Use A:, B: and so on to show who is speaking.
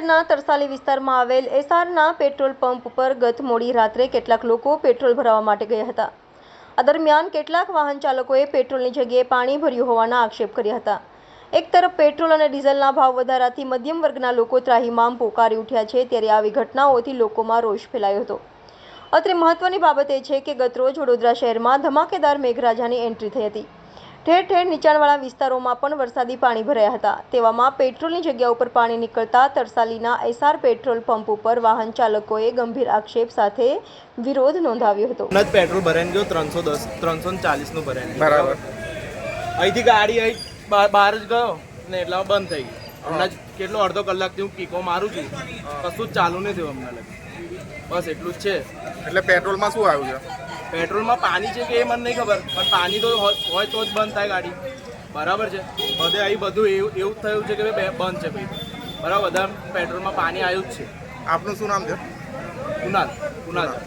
A: શહેરના તરસાલી વિસ્તારમાં આવેલ એસઆરના પેટ્રોલ પંપ પર ગત મોડી રાત્રે કેટલાક લોકો પેટ્રોલ ભરાવવા માટે ગયા હતા. આ દરમિયાન કેટલાક વાહન ચાલકોએ પેટ્રોલની જગ્યાએ પાણી ભર્યું હોવાના આક્ષેપ કર્યા હતા. એક તરફ પેટ્રોલ અને ડીઝલના ભાવ વધારાથી મધ્યમ વર્ગના લોકો ત્રાહિમામ પોકારી ઉઠ્યા છે, ત્યારે આવી ઘટનાઓથી લોકોમાં રોષ ફેલાયો હતો. અત્રે મહત્વની બાબત એ છે કે ગતરોજ વડોદરા શહેરમાં ધમાકેદાર મેઘરાજાની એન્ટ્રી થઈ હતી. ઠેર ઠેર નીચાણવાળા વિસ્તારોમાં પણ વરસાદી પાણી ભરાયા હતા. તેવામાં પેટ્રોલની જગ્યા ઉપર પાણી નીકળતા તરસાલીના એસઆર પેટ્રોલ પંપ ઉપર વાહન ચાલકોએ ગંભીર આક્ષેપ સાથે વિરોધ નોંધાવ્યો હતો.
B: પેટ્રોલ ભરાઈને ગયો 310 340 નું ભરાઈને
C: બરાબર.
B: અહીંથી ગાડી અહીં બહાર જ ગયો ને એટલા બંધ થઈ ગઈ. હમણાં જ કેટલો અડધો કલાકથી હું કીકો મારું છું, કશું જ ચાલુ નહીં થયું હમણાં લગી. બસ એટલું જ છે.
C: એટલે પેટ્રોલમાં શું આવ્યું છે?
B: પેટ્રોલમાં પાણી છે કે એ મને નહીં ખબર, પણ પાણી તો હોય તો જ બંધ થાય ગાડી. બરાબર છે. બધે અહીં બધું એવું થયું છે કે ભાઈ બંધ છે ભાઈ. બરાબર, બધા પેટ્રોલમાં પાણી આવ્યું જ છે.
C: આપનું શું નામ છે?
B: કુનાલ.